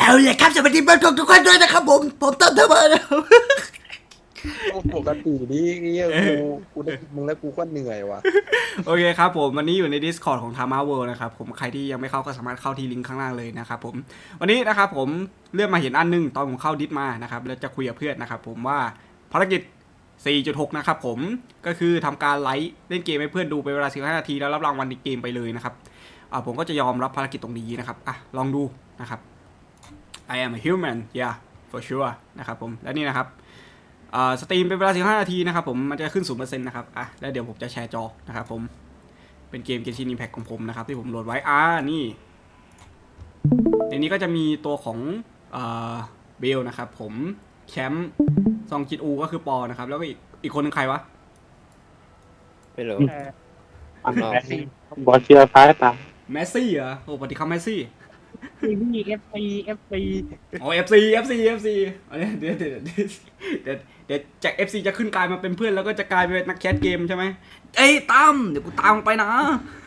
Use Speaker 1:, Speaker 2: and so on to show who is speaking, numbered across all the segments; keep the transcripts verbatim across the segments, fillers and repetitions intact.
Speaker 1: เอาเลยครับสวัสดีทุกทุกคนด้วยนะครับผมผมต้นเทอร์เบอร์นะครับ
Speaker 2: ปกตินี่เงี้ยกูกูได้มึงแล้วกูก็เหนื่อยว่ะ
Speaker 1: โอเคครับผมวันนี้อยู่ใน Discord ของ Tama World นะครับผมใครที่ยังไม่เข้าก็สามารถเข้าที่ลิงก์ข้างล่างเลยนะครับผมวันนี้นะครับผมเลื่อนมาเห็นอันนึงตอนผมเข้าดิสมานะครับแล้วจะคุยกับเพื่อนนะครับผมว่าภารกิจ สี่จุดหก นะครับผมก็คือทำการไลฟ์เล่นเกมให้เพื่อนดูเป็นเวลาสิบห้านาทีแล้วรับรางวัลในเกมไปเลยนะครับอ่าผมก็จะยอมรับภารกิจตรงนี้นะครับอ่ะลองดูนะครับ I am a human yeah for sure นะครับผมและนี่นะครับสตรีมเป็นเวลาสิบห้านาทีนะครับผมมันจะขึ้น ศูนย์เปอร์เซ็นต์ นะครับอ่ะแล้วเดี๋ยวผมจะแชร์จอนะครับผมเป็นเกม Genshin Impact ของผมนะครับที่ผมโหลดไว้อ่านี่ในนี้ก็จะมีตัวของเบลนะครับผมแชมป์ซองจิตอูก็คือปอนะครับแล้วก็อีกอีกคนนึงใครวะ
Speaker 3: ไม่รู้
Speaker 4: อันแรกบอลเชียร์ฟ้าตาม
Speaker 1: แมสซี่เหรอโอ้ปฏิคัมแมสซี่
Speaker 5: นี่เอฟซีเอฟซี
Speaker 1: อ๋อ เอฟ ซี เอฟ ซี เอฟ ซี อันนี้เดี๋ยวเดี๋ยวเดี๋ยวเดี๋ยวเดี๋ยวจาก เอฟ ซี จะขึ้นกลายมาเป็นเพื่อนแล้วก็จะกลายเป็นนักแคสเกมใช่ไหมเอ้ยตั้มเดี๋ยวกูตามไปนะ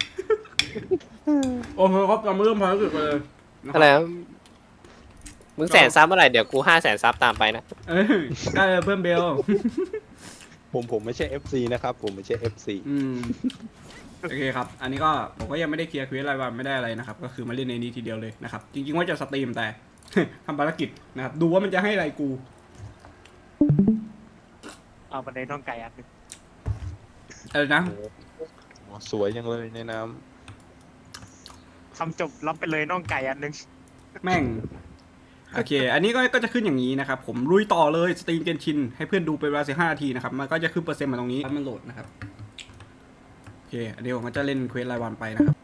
Speaker 1: โอ้โหครับเราเริ่มภารกิจเลย
Speaker 3: อะไรนะมึงแสนซับเมื่อไหร่เดี๋ยวกูห้าแสนซับตามไปนะ
Speaker 1: เอ้ยได้เลยเพื่อนเบล
Speaker 2: ผมผมไม่ใช่ เอฟ ซี นะครับผมไม่ใช่ เอฟ ซี
Speaker 1: อืมโอเคครับอันนี้ก็ผมก็ยังไม่ได้เคลียร์คุยอะไรวันไม่ได้อะไรนะครับก็คือมาเล่นในนี้ทีเดียวเลยนะครับจริงๆว่าจะสตรีมแต่ ทำภารกิจนะครับดูว่ามันจะให้อะไรกู
Speaker 5: เอาบันไดน้องไก่อันหนึง
Speaker 1: อะไรนะ
Speaker 2: สวยจังเลยในน้
Speaker 5: ทำจบรับไปเลยน้องไก่อันหนึง
Speaker 1: แม่งโอเค อันนี้ก็ก็จะขึ้นอย่างนี้นะครับผมลุยต่อเลยสตรีมเกนชินให้เพื่อนดูเป็นเวลาสิบห้านาทีนะครับมันก็จะขึ้นเปอร์เซ็นต์มาตรงนี้แล้วมันโหลดนะครับโอเคอันนี้ผมก็จะเล่นเควสรายวันไปนะครับ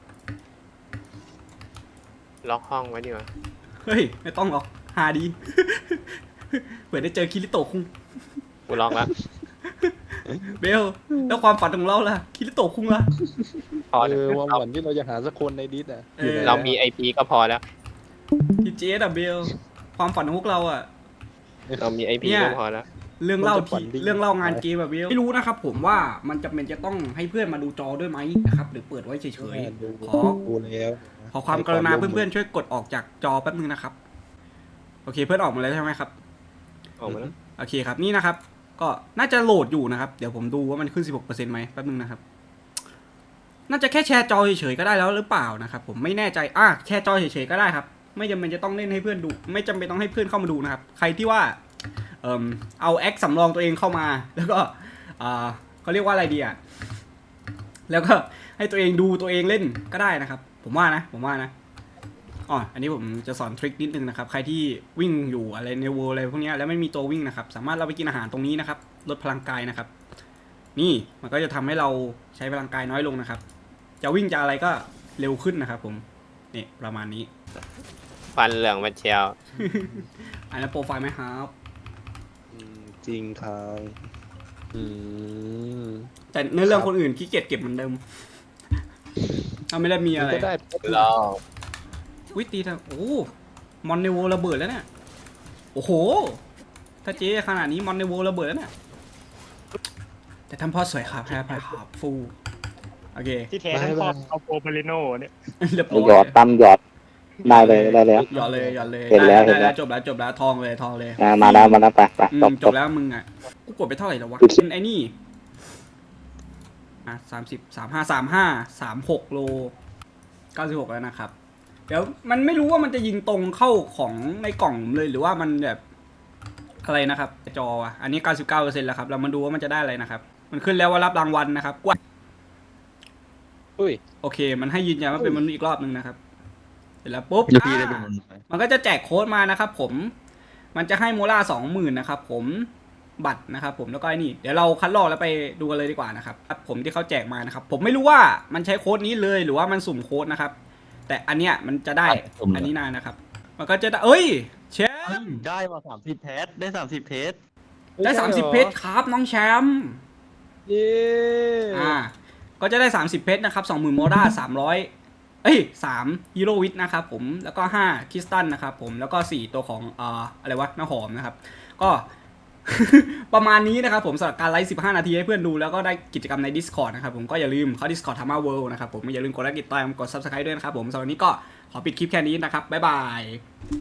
Speaker 3: ล็อกห้องไว้ดีกว่า
Speaker 1: เฮ้ยไม่ต้องหรอกหาดี เผื่อได้เจอคิริโตะคุง
Speaker 3: กูล็อกแล้ว
Speaker 1: เบลแล้วความฝันของเราล่ะคิริโตะคุงล่ะ
Speaker 3: พอ
Speaker 2: ำเอ
Speaker 3: แล้ว
Speaker 2: อวันวันที่เราจะหาสักคนในดิสอ่ะ
Speaker 1: เออ
Speaker 3: เรามีไอพีก็พอแล้ว
Speaker 1: ทีเจสอะเบลความฝันของพวกเราอะ
Speaker 3: เรามีไอพี
Speaker 1: เนี่ย
Speaker 3: ก็พอแล้ว
Speaker 1: เรื่องเล่าที่เรื่องเล่างานเกมแบบเบลไม่รู้นะครับผมว่ามันจำเป็นจะต้องให้เพื่อนมาดูจอด้วยไหมนะครับหรือเปิดไว้เฉยๆขอ
Speaker 2: ดูแล้ว
Speaker 1: ขอความกรุณาเพื่อนๆช่วยกดออกจากจอแป๊บนึงนะครับโอเคเพื่อนออกมาแล้วใช่ไหมครับ
Speaker 3: ออกมาแล้ว
Speaker 1: โอเคครับนี่นะครับก็น่าจะโหลดอยู่นะครับเดี๋ยวผมดูว่ามันขึ้น สิบหกเปอร์เซ็นต์ ไหมแป๊บนึงนะครับน่าจะแค่แชร์จอเฉยๆก็ได้แล้วหรือเปล่านะครับผมไม่แน่ใจอ่ะแชร์จอเฉยๆก็ได้ครับไม่จำเป็นจะต้องเล่นให้เพื่อนดูไม่จำเป็นต้องให้เพื่อนเข้ามาดูนะครับใครที่ว่าเอ่อเอาแอคสำรองตัวเองเข้ามาแล้วก็อ่าเขาเรียกว่าอะไรดีอ่ะแล้วก็ให้ตัวเองดูตัวเองเล่นก็ได้นะครับผมว่านะผมว่านะอ๋ออันนี้ผมจะสอนทริคนิดนึงนะครับใครที่วิ่งอยู่อะไรในเวิลด์อะไรพวกนี้แล้วไม่มีตัววิ่งนะครับสามารถเราไปกินอาหารตรงนี้นะครับลดพลังกายนะครับนี่มันก็จะทำให้เราใช้พลังกายน้อยลงนะครับจะวิ่งจะอะไรก็เร็วขึ้นนะครับผมนี่ประมาณนี้
Speaker 3: ฟันเหลืองมาเชียว
Speaker 1: อันนั้นโปรไฟล์ไหมครับ
Speaker 2: อืมจริงครับอืม
Speaker 1: แต่ในเรื่องคนอื่นขี้เกียจเก็บเหมือนเดิมถ้าไม่ได้มีอะไร
Speaker 2: ก็ได้
Speaker 3: รอ
Speaker 1: วิตีทางโอ้มอนเนโวระเบิดแล้วเนี่ยโอ้โหถ้าเจ๊ขนาดนี้มอนเนโวระเบิดแล้วเนี่ยแต่ทำพ่อสวยครับแพ้ไปครับฟูโอเค
Speaker 5: ที่แท้ทั้งครอบเอาโปรเบลิโนเนี่ย
Speaker 1: เรียบ
Speaker 4: ห
Speaker 1: ร้
Speaker 4: ยอ
Speaker 1: อ
Speaker 4: ด
Speaker 1: ย
Speaker 4: ตั้มหยอดได้เลยได้แล้ว
Speaker 1: หยอดเลยหยอดเลย
Speaker 4: เห็นแล้ว
Speaker 1: ได้
Speaker 4: เห็นแล้
Speaker 1: แล้ว วจบแล้วจบแล้วทองเลยทองเลย
Speaker 4: อ่ามาแล้วมาแล้วไปไป
Speaker 1: อื
Speaker 4: จ
Speaker 1: ม
Speaker 4: บ
Speaker 1: จ
Speaker 4: จ
Speaker 1: บบ แล้วมึงอ่ะกูกดไปเท่าไหร่แล้ววะ
Speaker 4: ดูสิ
Speaker 1: เป็นไอ้นี่อ่ะสามสิบสามห้าสามห้าสามหกโลเก้าสิบหกแล้วนะครับเดี๋ยวมันไม่รู้ว่ามันจะยิงตรงเข้าของในกล่องเลยหรือว่ามันแบบอะไรนะครับจออ่ะอันนี้เก้าสิบเก้าเปอร์เซ็นต์แล้วครับเรามาดูว่ามันจะได้อะไรนะครับมันขึ้นแล้วว่ารับรางวัลนะครับกว่า
Speaker 2: อุ้ย
Speaker 1: โอเค มันให้ยืนยันว่าเป็นมนุษย์อีกรอบนึงนะครับเสร็จแล้วปุ๊บอ่ามันก็จะแจกโค้ดมานะครับผมมันจะให้โมล่าสองหมื่นนะครับผมบัตรนะครับผมแล้วก็ไอ้นี่เดี๋ยวเราคัดลอกแล้วไปดูกันเลยดีกว่านะครับผมที่เขาแจกมานะครับผมไม่รู้ว่ามันใช้โค้ดนี้เลยหรือว่ามันสุ่มโค้ดนะครับแต่อันเนี้ยมันจะได้อันนี้นานนะครับมันก็จะได้เอ้ยเชมป์
Speaker 6: ได้มาสามสิบเทสได้สามสิบเทส
Speaker 1: ได้สามสิบเพชรครับน้องแชมป์
Speaker 2: เย้
Speaker 1: อ่าก็จะได้สามสิบเพชรนะครับสองหมื่นโมด้าสามร้อยเอ้ยสามฮีโร่วิทนะครับผมแล้วก็ห้าคริสตัลนะครับผมแล้วก็สี่ตัวของอ่าอะไรวะน้าหอมนะครับก็ ประมาณนี้นะครับผมสำหรับการไลฟ์สิบห้านาทีให้เพื่อนดูแล้วก็ได้กิจกรรมใน Discord นะครับผมก็อย่าลืมเข้า Discord Tama World นะครับผมอย่าลืมกดไลค์กดติดตามกด Subscribe ด้วยนะครับผมสำหรับวันนี้ก็ขอปิดคลิปแค่นี้นะครับบ๊ายบาย